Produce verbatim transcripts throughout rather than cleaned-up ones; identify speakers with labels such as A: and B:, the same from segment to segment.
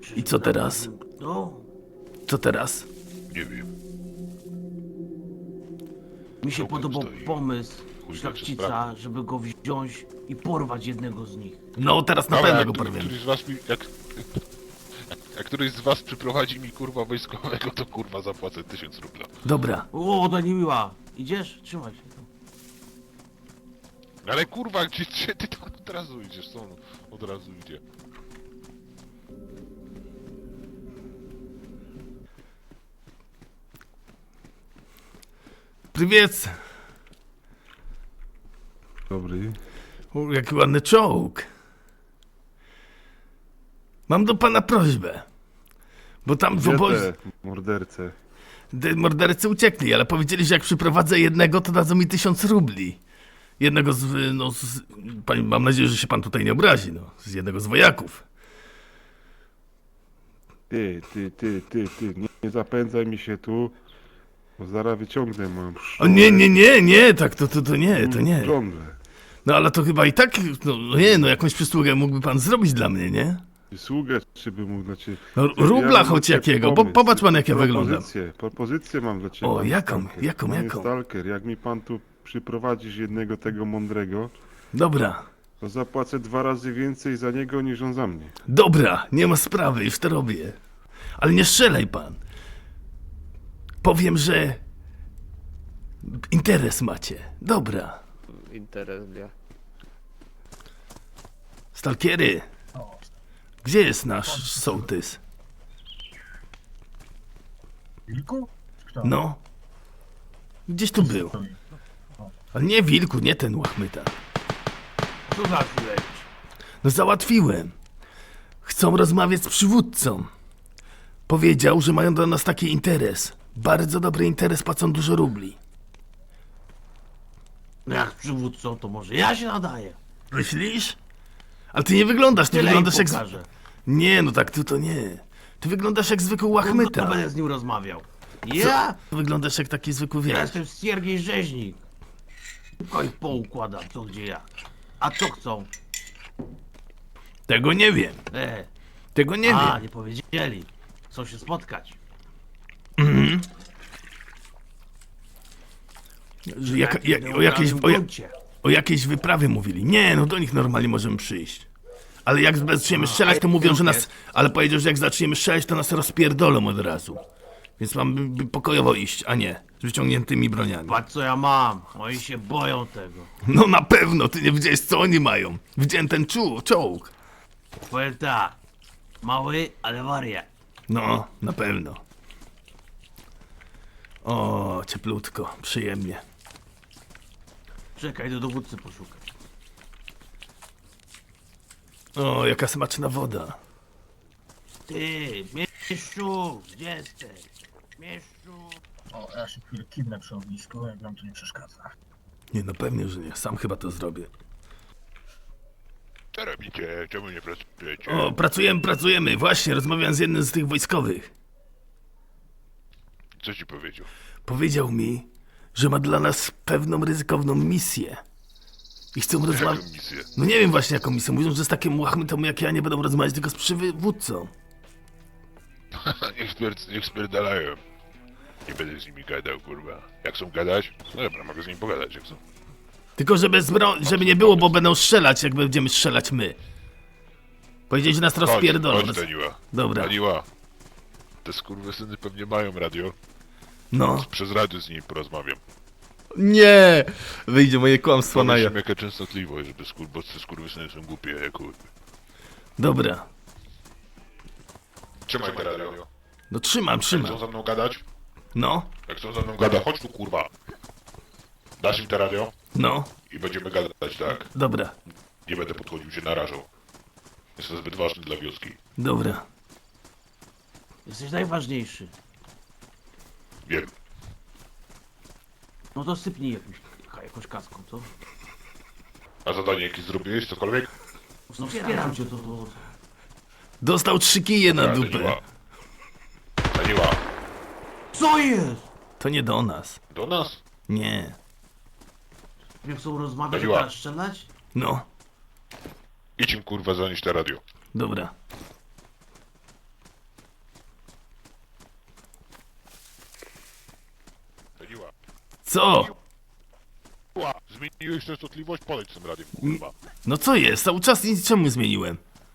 A: I co teraz?
B: No,
A: Co teraz?
C: Nie wiem.
B: mi się
C: Czołgiem
B: podobał
C: stoi.
B: pomysł
C: Chuj wie,
B: szlachcica,
C: czy sprawdzi.
B: żeby go wziąć i porwać jednego z nich.
A: No, teraz na
C: Dobra,
A: pewno
C: jak
A: go
C: który-
A: porwiemy.
C: któryś z was mi... Jak, jak któryś z was przyprowadzi mi kurwa wojskowego, to kurwa zapłacę tysiąc rubla.
A: Dobra.
B: O, to nie miła. Idziesz? Trzymaj się.
C: Ale kurwa, gdzie, gdzie ty tam od razu idziesz? Co on od razu idzie?
A: Prywiec.
D: Dobry.
A: O, jaki ładny czołg. Mam do pana prośbę. Bo tam w
D: Gdzie
A: obozie...
D: te morderce?
A: De- mordercy uciekli, ale powiedzieli, że jak przyprowadzę jednego, to dadzą mi tysiąc rubli. Jednego z... no z... Pani, mam nadzieję, że się pan tutaj nie obrazi, no. Z jednego z wojaków.
D: Ty, ty, ty, ty, ty, nie, nie zapędzaj mi się tu, bo zaraz wyciągnę moją
A: O nie, nie, nie, nie, tak, to, to, to nie, to nie.
D: Żądlę.
A: No ale to chyba i tak, no no nie, no jakąś przysługę mógłby pan zrobić dla mnie, nie?
D: Sługę, czy by mógł dla ciebie...
A: No,
D: Ja
A: rubla
D: mam
A: choć
D: dla ciebie
A: jakiego, po,
D: pomysł.
A: popatrz pan jak ja wyglądam.
D: Propozycję, propozycję mam dla ciebie.
A: O,
D: panie
A: jaką,
D: Stalker.
A: jaką,
D: Panie
A: jaką?
D: Stalker, jak mi pan tu przyprowadzisz jednego tego mądrego,
A: Dobra,
D: to zapłacę dwa razy więcej za niego niż on za mnie.
A: dobra, nie ma sprawy, już to robię. Ale nie strzelaj pan. Powiem, że interes macie. Dobra.
E: Interes dla.
A: Stalkiery, gdzie jest nasz sołtys?
F: Wilku? Kto?
A: No. Gdzieś tu był.
F: Stoi.
A: Ale nie wilku, nie ten łachmyta.
B: Co za chwilę?
A: No załatwiłem. Chcą rozmawiać z przywódcą. Powiedział, że mają do nas taki interes. Bardzo dobry interes, płacą dużo rubli.
B: No jak przywódcą, to może ja się nadaję.
A: Myślisz? Ale ty nie wyglądasz, ty
B: Tyle im
A: wyglądasz jak... z-
B: pokażę.
A: Nie, no tak, ty to nie. Ty wyglądasz jak zwykły
B: No,
A: łachmyta.
B: będę z nim rozmawiał. Ja?
A: Ty wyglądasz jak taki zwykły
B: Ja
A: wiesz.
B: jestem Siergiej Rzeźnik. Tylko ich poukładam, co gdzie jak. A co chcą?
A: Tego nie wiem.
B: E,
A: Tego nie
B: a,
A: wiem.
B: nie powiedzieli. Chcą się spotkać.
A: Że jaka,
B: Takim
A: jak, o, jakiejś,
B: neutralnym
A: o, ja-
B: gruncie.
A: o jakiejś wyprawie mówili. Nie, no do nich normalnie możemy przyjść. Ale jak zaczniemy strzelać, to mówią, że nas... Ale powiedział, że jak zaczniemy strzelać, to nas rozpierdolą od razu. Więc mamy by pokojowo iść, a nie z wyciągniętymi broniami.
B: Patrz co ja mam. Oni się boją tego.
A: No na pewno, ty nie widziałeś, co oni mają. Widziałem ten czu, czołg.
B: Powiem tak. Mały, ale wariat.
A: No, na pewno. O, cieplutko, przyjemnie.
B: Czekaj, do dowódcy poszukać.
A: O, jaka smaczna woda.
B: Ty, mieszczu, gdzie jesteś? Mieszczu.
F: O, ja się chwilę kiwnę przy ognisku, jak wam to nie przeszkadza.
A: Nie, no pewnie, że nie. Sam chyba to zrobię.
C: Co robicie? Czemu nie pracujecie?
A: O, pracujemy, pracujemy. Właśnie, rozmawiałem z jednym z tych wojskowych.
C: Co ci powiedział?
A: Powiedział mi, że ma dla nas pewną ryzykowną misję. I chcą rozmawiać...
C: Jaką misję?
A: No nie wiem właśnie jaką misję. Mówią, że z takim łachmytą jak ja nie będą rozmawiać tylko z przywódcą.
C: niech, spier niech spierdalają. Nie będę z nimi gadał, kurwa. Jak chcą gadać? No dobra, mogę z nimi pogadać, jak chcą.
A: Tylko żeby, zbro... żeby nie było, bo będą strzelać, jak będziemy strzelać my. Powiedzieli, że nas
C: Chodź,
A: rozpierdolą.
C: chodź, Daniła.
A: Dobra.
C: Daniła. Te skurwysyny pewnie mają radio.
A: No.
C: Przez radio z nimi porozmawiam.
G: Nie! Wyjdzie moje kłamstwo na
C: Powiedz
G: ja.
C: im jaka częstotliwość, żeby skur bo te skurwysyny są głupie, jak kurwa.
A: Dobra.
C: Trzymaj te radio.
A: No trzymam,
C: Jak
A: trzymam.
C: chcą ze mną gadać?
A: No,
C: Jak chcą ze mną gadać, chodź tu, kurwa. Dasz im te radio
A: no.
C: i będziemy gadać, tak?
A: Dobra,
C: Nie będę podchodził, się narażał. Jestem zbyt ważny dla wioski.
A: dobra.
B: Jesteś najważniejszy.
C: Wiem.
B: No to sypnij jakimś, jakąś kaską, co?
C: A zadanie jakieś zrobiłeś, cokolwiek?
B: No wspieram cię, to... to...
A: Dostał trzy kije na dupę.
C: Daniła. Daniła.
B: Co jest?
A: To nie do nas.
C: Do nas?
A: Nie.
B: Nie chcą rozmawiać, a
C: Chodziła.
B: teraz strzelać?
A: No,
C: Idź im kurwa zanieść te radio.
A: dobra. Co?
C: Ła, zmieniłeś częstotliwość? Podejdź z tym radiem, kurwa.
A: No co jest? Cały czas nic czemu zmieniłem?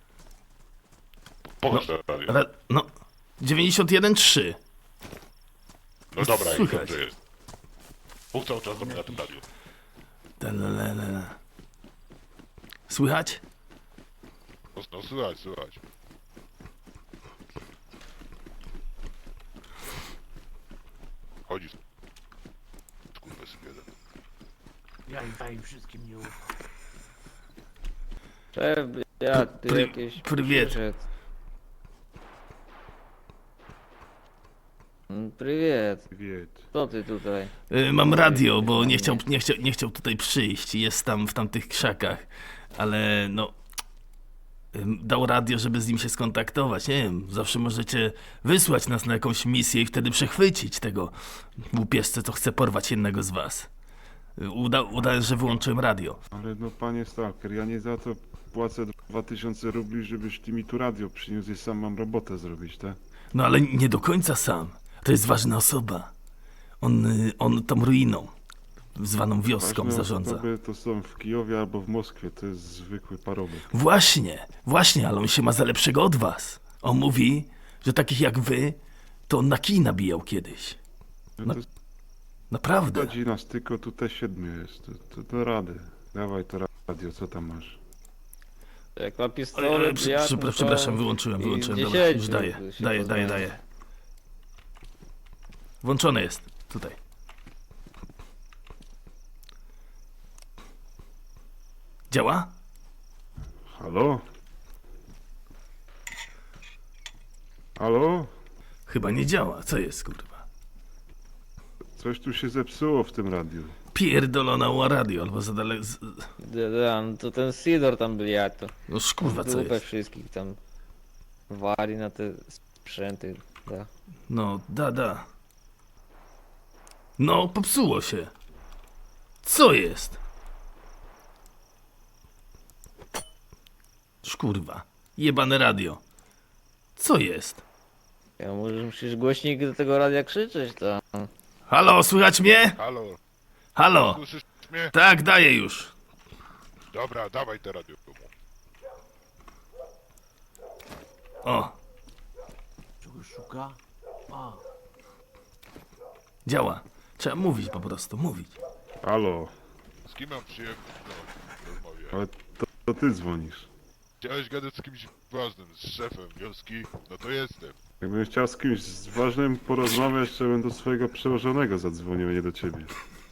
C: Pokaż to radio.
A: Ale, no, dziewięćdziesiąt jeden trzy.
C: No dobra, jak
A: słychać.
C: dobrze jest. Bóg cały czas do mnie na tym radiu.
A: Talalala. Słychać?
C: No, no słychać, słychać. Chodzi. Kurwa, sobie jeden.
B: Ja im, ja im wszystkim nie ufam.
E: Szef, ja, ty
A: Pry-
E: jakieś...
A: prywiet.
E: przyszedł. Mm, Prywiet,
D: Wiet.
E: co ty tutaj?
A: Y, mam radio, bo nie chciał, nie, chciał, nie chciał tutaj przyjść. Jest tam w tamtych krzakach. Ale no... ym, Dał radio, żeby z nim się skontaktować. Nie wiem, zawsze możecie wysłać nas na jakąś misję i wtedy przechwycić tego łupieszce, co chce porwać jednego z was. Y, Uda, uda że wyłączyłem radio.
D: Ale no panie Stalker, ja nie za to płacę dwa tysiące rubli, żebyś ty mi tu radio przyniósł i sam mam robotę zrobić, tak?
A: No ale nie do końca sam. To jest ważna osoba. On, y, on tą ruiną, zwaną wioską,
D: Ważne
A: zarządza.
D: osoby to są w Kijowie albo w Moskwie, to jest zwykły parobek.
A: Właśnie, właśnie, ale on się ma za lepszego od was. On mówi, że takich jak wy, to on na kij nabijał kiedyś.
D: No
A: No,
D: to
A: Naprawdę.
D: chodzi nas tylko tutaj siedmiu jest, to, to do rady. Dawaj to radio, co tam masz?
E: Jak ma
A: Oj,
E: pistolet,
A: oj, przy,
E: jak,
A: przy,
E: no to-
A: przepraszam, wyłączyłem,
E: i
A: wyłączyłem. Dobra,
E: dziesięciu
A: już daję,
E: się
A: daję, daję,
E: poznają.
A: daję. Włączone jest, tutaj. Działa?
D: Halo? Halo?
A: Chyba nie działa. Co jest, kurwa?
D: Coś tu się zepsuło w tym radiu.
A: Pierdolona ła radio, albo za daleko... z-
E: Da, da, no to ten Sidor tam był, jak to.
A: No kurwa, co
E: Dupę
A: jest?
E: wszystkich tam wali na te sprzęty, da.
A: No, da, da. No, popsuło się. Co jest? Szkurwa. Jebane radio. Co jest?
E: Ja może musisz głośnik do tego radia krzyczeć, to.
A: Halo, słychać mnie?
C: Halo,
A: Halo.
C: słyszysz mnie?
A: Tak, daję już.
C: Dobra, dawaj te radio.
A: O,
B: Czegoś szuka? A,
A: działa. Trzeba mówić po prostu, mówić.
D: Halo?
C: Z kim mam przyjemność no, rozmawiać?
D: Ale to, to ty dzwonisz.
C: Chciałeś gadać z kimś ważnym, z szefem wioski? No to jestem.
D: Jakbym chciał z kimś ważnym porozmawiać, to bym do swojego przełożonego zadzwonił, a nie do ciebie.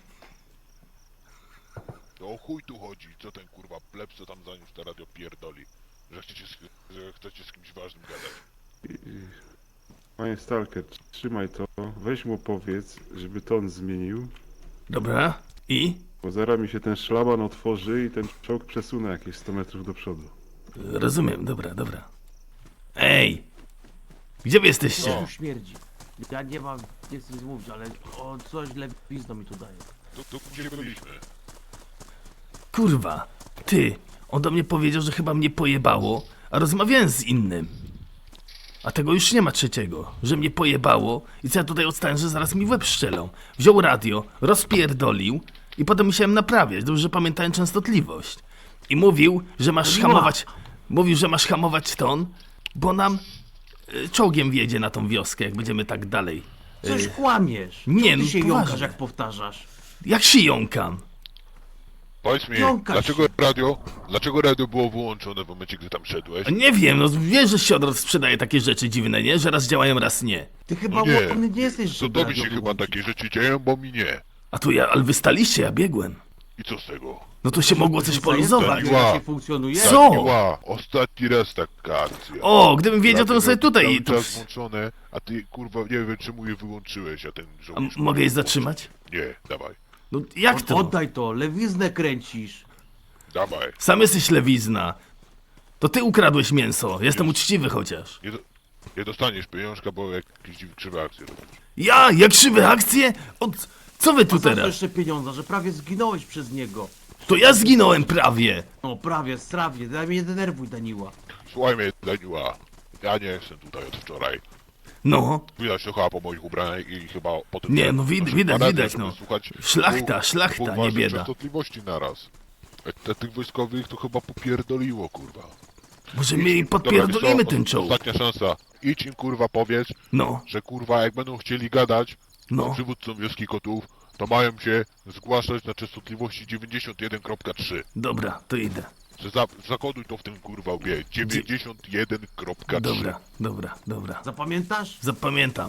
C: To o chuj tu chodzi, co ten kurwa pleb, co tam zaniósł te radio pierdoli? Że chcecie, z- że chcecie z kimś ważnym gadać.
D: I, i... Panie Stalker, trzymaj to, weź mu powiedz, żeby ton zmienił,
A: Dobra. I?
D: bo zaraz mi się ten szlaban otworzy i ten czołg przesunę jakieś sto metrów do przodu.
A: Rozumiem, dobra, dobra. Ej! Gdzie wy
B: co
A: jesteście?
B: tu śmierdzi? Ja nie mam, nie chcę nic mówić, ale o coś lewizno mi tu daje.
C: Tu, tu gdzie byliśmy?
A: Kurwa. Ty, on do mnie powiedział, że chyba mnie pojebało, a rozmawiałem z innym. A tego już nie ma trzeciego, że mnie pojebało i co ja tutaj odstałem, że zaraz mi w łeb strzelą. Wziął radio, rozpierdolił i potem musiałem naprawiać, dobrze, że pamiętałem częstotliwość. I mówił, że masz
B: No nie ma.
A: hamować, mówił, że masz hamować ton, bo nam y, czołgiem wjedzie na tą wioskę, jak będziemy tak dalej.
B: Coś kłamiesz.
A: nie,
B: Czemu
A: no
B: ty się
A: poważnie.
B: jąkasz, jak powtarzasz?
A: Jak się jąkam?
C: Powiedz mi,
B: Jąkasz
C: dlaczego
B: się.
C: radio, dlaczego radio było wyłączone w momencie, gdy tam szedłeś?
A: A nie wiem, no wiesz, że Siodor sprzedaje takie rzeczy dziwne, nie? Że raz działają, raz nie.
B: Ty chyba
C: No nie.
B: łomny nie jesteś,
C: To
B: żeby
C: tobie się
B: radio
C: chyba
B: wyłączyć.
C: takie rzeczy dzieją, bo mi nie.
A: A tu ja, ale wy staliście, ja biegłem.
C: I co z tego?
A: No to się mogło coś poluzować.
C: Zajęta.
B: Jak się funkcjonuje?
A: Co?
C: Ła, ostatni raz taka akcja.
A: O, gdybym wiedział, to bym
C: Radio
A: sobie tutaj...
C: Cały
A: To...
C: czas włączone, a ty kurwa nie wiem czemu je wyłączyłeś, a ten
A: A
C: żołnierz...
A: m- mogę je zatrzymać?
C: Nie, dawaj,
A: No jak to?
B: Oddaj to, lewiznę kręcisz.
C: dawaj.
A: Sam jesteś lewizna. To ty ukradłeś mięso. Jestem uczciwy chociaż.
C: Nie, do, nie dostaniesz pieniążka, bo jakieś dziw- krzywe akcje robisz.
A: Ja? Jak krzywe akcje? Od... Co wy tu
B: Za co
A: teraz?
B: jeszcze pieniądze, że prawie zginąłeś przez niego.
A: To ja zginąłem prawie.
B: No prawie, strawie, daj mnie nie denerwuj, Daniła.
C: Słuchaj mnie, Daniła, ja nie jestem tutaj od wczoraj.
A: No,
C: Widać to chyba po moich ubraniach i chyba po tym...
A: Nie,
C: że
A: no wid-
C: naszych
A: widać,
C: badań,
A: widać,
C: żeby
A: no.
C: słuchać
A: Szlachta,
C: dwóch-
A: szlachta,
C: dwóch
A: nie
C: ważnych
A: bieda.
C: częstotliwości naraz. E, Te, tych wojskowych to chyba popierdoliło, kurwa.
A: może
C: Idź
A: my
C: im-
A: im
C: dobra,
A: podpierdolimy
C: wiesz co,
A: ten czołg.
C: Ostatnia szansa. Idź im, kurwa, powiedz,
A: No,
C: że kurwa, jak będą chcieli gadać z
A: no,
C: przywódcą wioski kotów, to mają się zgłaszać na częstotliwości dziewięćdziesiąt jeden kropka trzy.
A: dobra, to idę.
C: Że za, zakoduj to w tym kurwa łbie. dziewięćdziesiąt jeden kropka trzy.
A: Dobra, dobra, dobra.
B: Zapamiętasz?
A: Zapamiętam.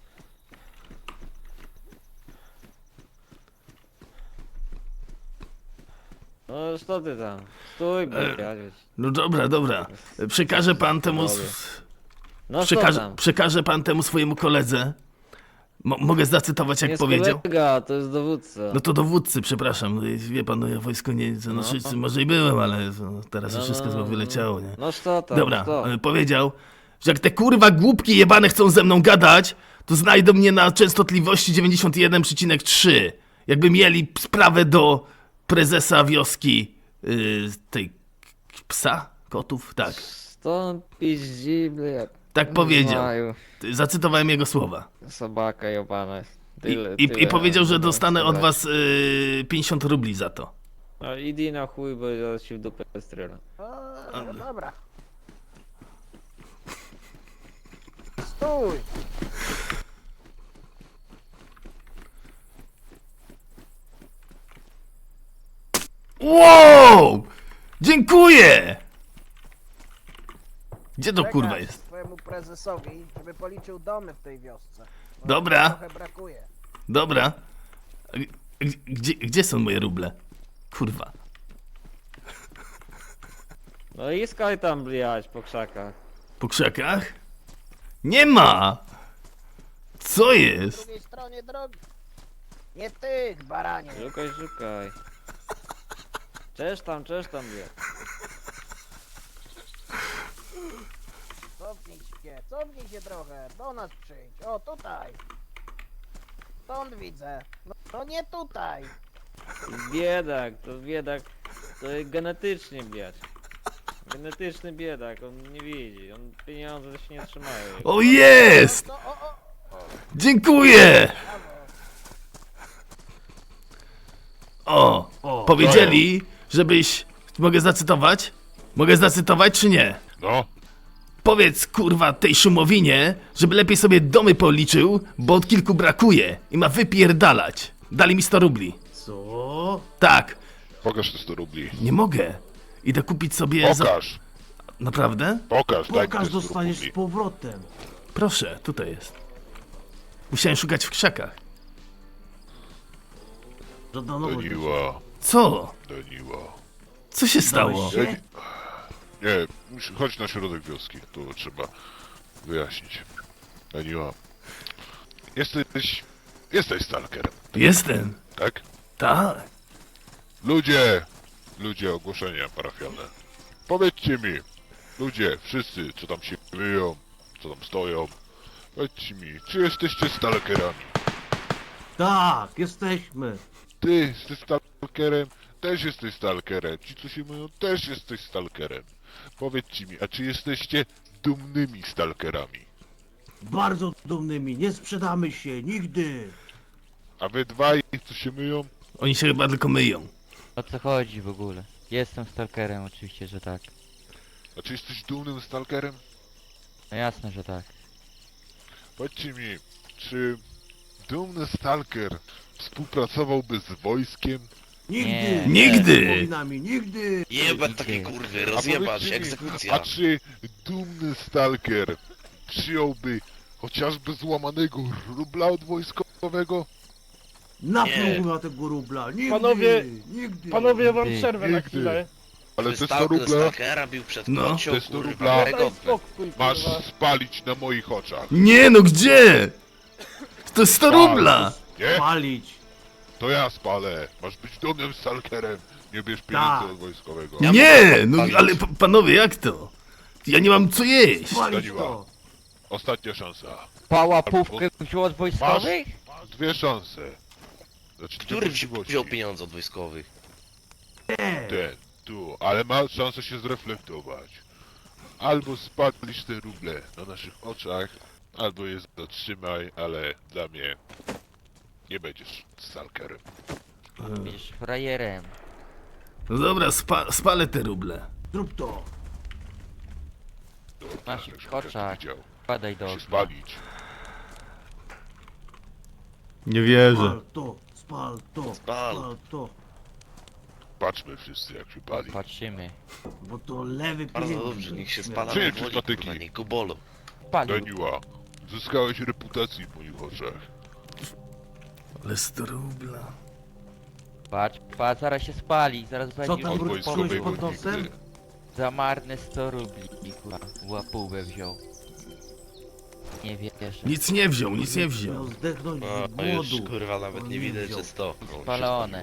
E: No co ty tam? Stój, bo
A: E,
E: ja wiesz.
A: No dobra, dobra. Przekaże pan temu... s-
E: No co
A: Przekaże,
E: tam?
A: przekaże pan temu swojemu koledze. Mo mogę zacytować, jak
E: Nie jest
A: powiedział?
E: kolega, to jest dowódca.
A: No to dowódcy, przepraszam. No, wie pan, no ja wojsko nie... No,
E: No.
A: wszyscy, może i byłem, ale no, teraz
E: No,
A: już wszystko
E: no,
A: chyba
E: no.
A: wyleciało, nie?
E: No co tam?
A: Dobra,
E: co?
A: e, powiedział, że jak te kurwa głupki jebane chcą ze mną gadać, to znajdą mnie na częstotliwości dziewięćdziesiąt jeden przecinek trzy. Jakby mieli sprawę do prezesa wioski yy, tej k- psa? Kotów? Tak.
E: Stąd piździ, bля.
A: Tak powiedział.
E: Maju,
A: Zacytowałem jego słowa.
E: Sobaka jebana.
A: I,
E: Tyle,
A: i,
E: tyle
A: i powiedział, że
E: mam
A: dostanę od
E: zabrać.
A: was yy, pięćdziesiąt rubli za to.
E: No idź na chuj, bo ja się w dupę strzelam.
H: O, dobra. Stój!
A: Wow! Dziękuję! Gdzie to kurwa
H: Przekaż
A: jest?
H: swojemu prezesowi, żeby policzył domy w tej wiosce. Bo
A: Dobra.
H: nam Trochę brakuje.
A: Dobra. A g- g- Gdzie, gdzie są moje ruble? Kurwa.
E: No i skaj tam bliać po krzakach.
A: Po krzakach? Nie ma! Co
H: Po
A: jest?
H: drugiej stronie drogi. Nie tych, baranie.
E: Szukaj, szukaj. Czesz tam, czesz tam blia.
H: Cofnij się, cofnij się trochę. Do nas przyjdź. O, tutaj. Stąd widzę. No, no nie tutaj.
E: Biedak, to biedak, to jest genetycznie biać. Genetyczny biedak, on nie widzi, on pieniądze się nie trzymają. jego.
A: O jest!
H: No, o, o,
A: Dziękuję!
B: O,
A: O, powiedzieli, żebyś... Mogę zacytować? Mogę zacytować czy nie?
C: No,
A: Powiedz kurwa tej szumowinie, żeby lepiej sobie domy policzył, bo od kilku brakuje i ma wypierdalać. Dali mi sto rubli.
B: co?
A: Tak,
C: pokaż te sto rubli.
A: nie mogę. Idę kupić sobie... Za...
C: Pokaż,
A: Naprawdę?
C: pokaż, daj mi
B: Pokaż,
C: te sto
B: dostaniesz
C: rubli.
B: z powrotem.
A: Proszę, tutaj jest. Musiałem szukać w krzakach.
B: Żadanowo.
C: Daniła,
A: Co?
C: Daniła.
A: Co się stało?
B: Dałeś się?
C: Nie, musi- chodź na środek wioski, to trzeba wyjaśnić. Daniła, jesteś, jesteś stalkerem,
A: Jestem.
C: tak?
A: Tak.
C: Ludzie, ludzie, ogłoszenia parafialne. Powiedzcie mi, ludzie, wszyscy, co tam się myją, co tam stoją, powiedzcie mi, czy jesteście stalkerami?
B: Tak, jesteśmy.
C: Ty jesteś stalkerem, też jesteś stalkerem, ci co się myją, też jesteś stalkerem. Powiedzcie mi, a czy jesteście dumnymi stalkerami?
B: Bardzo dumnymi, nie sprzedamy się, nigdy.
C: A wy dwaj, co się myją,
A: Oni się chyba tylko myją.
I: O co chodzi w ogóle? Jestem stalkerem, oczywiście, że tak.
C: a czy jesteś dumnym stalkerem?
I: No jasne, że tak.
C: Powiedzcie mi, czy dumny stalker współpracowałby z wojskiem?
B: Nigdy.
I: Nie.
A: Nigdy.
B: Wspominami, nigdy.
J: Jebać
I: Nigdy.
J: takie kurwy,
C: A
J: rozjebać,
C: powiedzcie mi,
J: egzekucja.
C: A czy dumny stalker przyjąłby chociażby złamanego rubla od wojskowego?
B: Napluł na tego rubla, nigdy.
K: Panowie-
B: nigdy.
K: Panowie, ja wam
I: Nigdy.
K: przerwę na
C: Nigdy.
K: chwilę.
C: Ale
J: Ty
C: te sto
J: stal-
C: rubla
J: Stalkera bił przed
A: No.
J: kocią,
C: Te sto
J: kurwa,
C: rubla.
K: Daj
J: wiarygodne.
K: spokój,
C: masz
K: kurwa.
C: spalić na moich oczach.
A: Nie no, gdzie? To jest sto rubla.
C: Nie?
B: Palić.
C: To ja spalę. Masz być dumnym stalkerem. Nie bierz pieniędzy
B: Tak.
C: od wojskowego.
J: Ja
A: Nie,
J: mogę
A: no
J: palić.
A: ale p- panowie, jak to? Ja nie mam co jeść.
B: Palić
C: Daniła.
B: to.
C: Ostatnia szansa.
I: Pałapówkę wziął od wojskowych?
C: Masz dwie szanse. Znaczy, dwie
J: Który wzi-
C: możliwości.
J: wziął pieniądze od wojskowych?
B: Nie.
C: Ten, tu, ale ma szansę się zreflektować. Albo spalisz te ruble na naszych oczach, albo je zatrzymaj, ale dla mnie nie będziesz stalkerem.
I: Będziesz frajerem.
A: No dobra, spa spalę te ruble.
B: Zrób to.
I: Masz
C: Tak, żeby
I: koczak.
C: każdy widział.
I: Wpadaj do
C: Się
I: okna.
C: spalić.
G: Nie wierzę.
B: Spal to, spal to,
J: Spal.
B: spal to.
C: Patrzmy wszyscy jak się pali.
I: Patrzymy.
B: Bo to lewy
J: Bardzo
B: pieniądz.
J: dobrze, niech się spala
C: Przyjdź
J: powoli,
C: patyki.
J: kurwa, niech go bolą.
I: Palił.
C: Daniła, zyskałeś reputację w moich oczach.
A: Ale sto rubla.
I: Patrz, patrz, zaraz się spali, zaraz
B: Co
I: będzie
B: tam
C: Od
B: wróć
C: wojskowego
B: pod nosem?
C: nigdy.
I: za marne sto rubli, kurwa. Łapówę wziął. Nie wierzę.
A: Nic nie wziął, nic nie wziął.
B: Miał zdechnąć
J: O,
B: z
J: no już
B: głodu.
J: kurwa nawet
B: On
J: nie
B: nie
J: widać,
B: wziął.
J: że sto.
I: Spalone.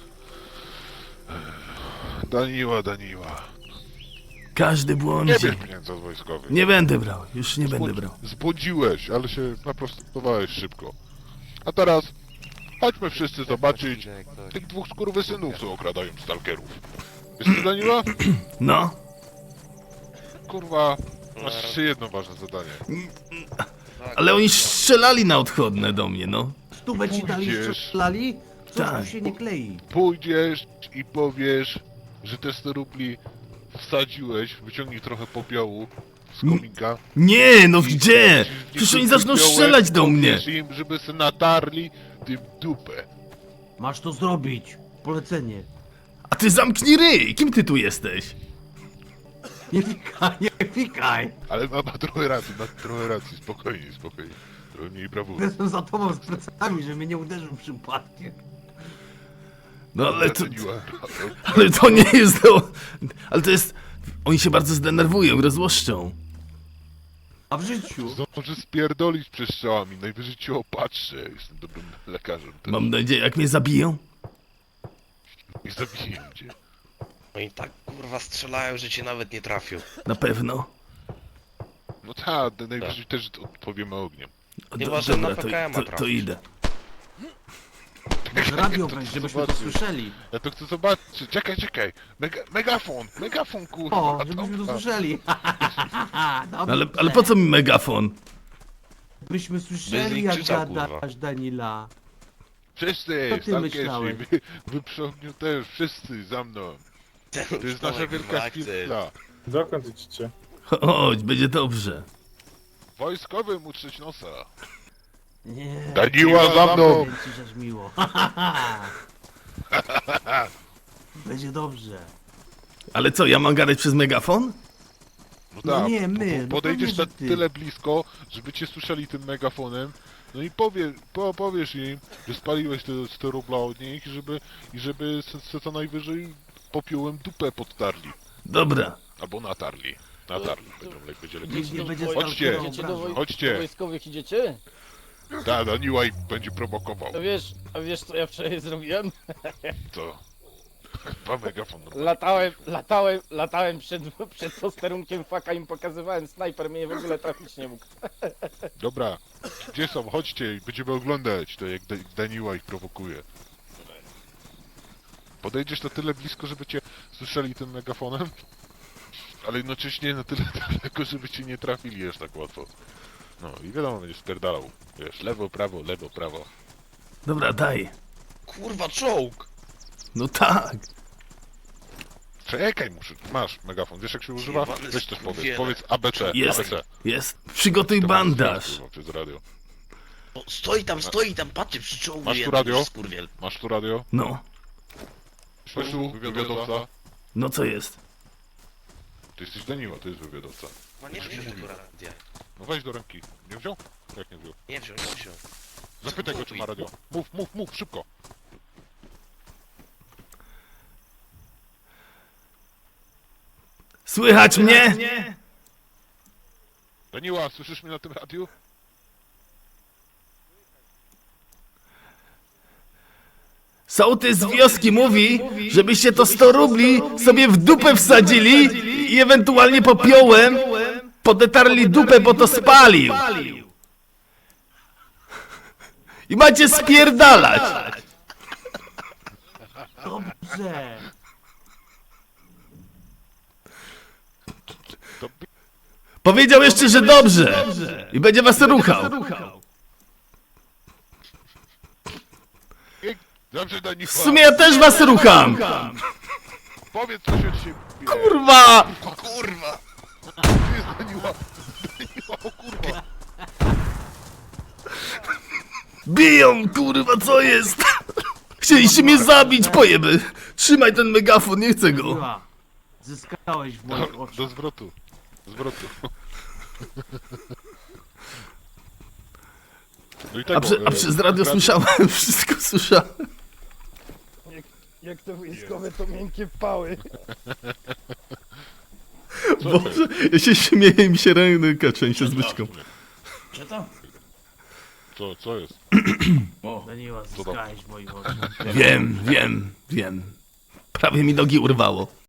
C: Daniła, Daniła.
A: Każdy
C: Nie
A: błądzi.
C: bierz pieniędzy od wojskowych.
A: Nie będę brał, już nie będę
C: Zbłąd-
A: brał.
C: Zbłądziłeś, ale się naprostowałeś szybko. A teraz chodźmy wszyscy zobaczyć
I: Jak coś.
C: tych dwóch skurwysynów, co okradają stalkerów. Wiesz co, Daniła?
A: No,
C: Kurwa, masz jeszcze jedno ważne zadanie.
A: ale oni strzelali na odchodne do mnie, no.
B: Stówę ci dali,
C: Pójdziesz.
B: strzelali? Coś
A: Tak.
B: tu się nie klei.
C: Pójdziesz i powiesz, że te sto rubli wsadziłeś, wyciągnij trochę popiołu z kominka.
A: Nie, no gdzie?
C: I-
A: Przecież
C: i
A: oni zaczną
C: popiołem
A: strzelać do mnie.
C: powiesz im, żeby se natarli tym dupę.
B: Masz to zrobić. Polecenie.
A: A ty zamknij ryj! Kim ty tu jesteś?
B: Nie fikaj, nie fikaj.
C: Ale ma, ma trochę racji, ma trochę racji, spokojnie, spokojnie. Trochę mniej brawury.
B: Jestem za tobą z plecami, żeby mnie nie uderzył przypadkiem.
A: No ale to...
C: Daniła,
A: Ale to nie jest to... Ale to jest... Oni się bardzo zdenerwują, rozłoszczą.
B: A w życiu?
C: zdąży spierdolić przez strzałami, najwyżej cię opatrzę, jestem dobrym lekarzem. Też.
A: Mam nadzieję, jak mnie zabiją?
C: Nie zabiję cię.
J: Oni tak kurwa strzelają, że cię nawet nie trafią.
A: Na pewno.
C: No tak, najwyżej też odpowiemy ogniem.
A: O,
J: Chyba,
A: do-
J: że na
A: dobra, to,
J: P K M-a
A: to, to
J: trafisz.
A: idę.
B: Może radio weź, żebyśmy to
C: zobaczysz.
B: słyszeli.
C: Ja to chcę zobaczyć, czekaj, czekaj, Mega, megafon, megafon kurwa.
B: O,
C: to-
B: żebyśmy to słyszeli.
A: Ale, ale po co mi megafon?
B: Byśmy
J: Bez
B: słyszeli
J: nich
B: jak
J: krzyczał, kurwa.
B: gadasz, Danila.
C: Wszyscy,
B: Co ty
C: stalkerzy,
B: myślałeś?
C: wy, wy przy ogniu też, wszyscy za mną. To jest nasza wielka chwila.
F: Dokąd idziecie?
A: Chodź, będzie dobrze.
C: Wojskowym utrzeć nosa.
B: Nie.
C: Daniła za mną!
B: Będzie ci aż miło. Będzie dobrze.
A: Ale co, ja mam gadać przez megafon?
C: No
B: No
C: tak,
B: nie,
C: po-
B: my,
C: po-
B: no
C: podejdziesz
B: pewnie,
C: na
B: że ty.
C: tyle blisko, żeby cię słyszeli tym megafonem, no i powie, po, powiesz im, że spaliłeś te sto rubla od nich, żeby, i żeby se, se co najwyżej popiołem dupę podtarli.
A: Dobra.
C: Albo natarli. Natarli, będą lek, będzie lepiej.
B: Nikt nie będzie
C: Chodźcie,
B: stalkerował obrażał.
C: chodźcie.
K: Wojskowych idziecie?
C: Da, Daniła ich będzie prowokował.
K: A wiesz, a wiesz co ja wczoraj zrobiłem?
C: Co? Chyba megafon. no.
K: Latałem, latałem, latałem przed, przed posterunkiem faka, im pokazywałem, snajper mnie w ogóle trafić nie mógł.
C: Dobra, gdzie są? Chodźcie i będziemy oglądać to, jak Da- Daniła ich prowokuje. Podejdziesz na tyle blisko, żeby cię słyszeli tym megafonem, ale jednocześnie na tyle daleko, żeby cię nie trafili aż tak łatwo. No i wiadomo, będziesz spierdalał. Wiesz, lewo, prawo, lewo, prawo.
A: Dobra, daj.
J: Kurwa czołg!
A: No tak.
C: Czekaj, muszę. Masz megafon, wiesz jak się używa?
J: Jebany
C: Weź też powiedz.
J: skurwiele.
C: Powiedz A B C.
A: Jest.
C: A B C.
A: Jest. Przygotuj
C: To masz
A: bandaż.
C: kurwa, przez radio.
J: O, stoi tam, stoi tam, patrzy przy czołgu.
C: Masz tu
J: jeden
C: radio?
J: już skurwiel.
C: Masz tu radio?
A: No.
C: Masz tu wywiadowca?
A: No co jest?
C: Ty jesteś Daniła, to jest wywiadowca.
J: Ma nie wziął tego radia.
C: No weź do ręki. Nie wziął? Jak nie wziął?
J: Nie wziął, nie wziął.
C: Zapytaj go, czy ma radio. Mów, mów, mów, szybko.
A: Słychać mnie?
C: Daniła, słyszysz mnie na tym radiu?
A: Sołtys z wioski mówi, żebyście to sto rubli sobie w dupę wsadzili i ewentualnie popiołem podetarli dupę, bo to spalił. I macie spierdalać.
B: Dobrze.
C: To
A: Powiedział jeszcze, że dobrze. I będzie was ruchał.
C: Dobrze, do nich
A: W sumie ja też was rucham.
C: Powiedz coś od siebie.
A: Kurwa!
J: Kurwa!
C: Tu jest Daniła. Daniła, o kurwa.
A: Biją, kurwa, co jest? Chcieliście mnie zabić, pojeby. Trzymaj ten megafon, nie chcę go.
B: Daniła, zyskałeś w moich
C: Do,
B: oczach.
C: do zwrotu. Zwrotu. No i
A: A,
C: tego,
A: prze, a
C: e,
A: przez radio
C: radio-
A: słyszałem, wszystko słyszałem.
K: Jak to wojskowe, to miękkie pały.
C: Co to
A: Boże, ja się śmieję i mi się ręka trzęsie z
C: jest?
A: byczką.
F: Czy to?
C: Co, co jest?
B: Daniła,
C: Co to?
B: zyskałeś w moich oczach.
A: Wiem, wiem, wiem. Prawie mi nogi urwało.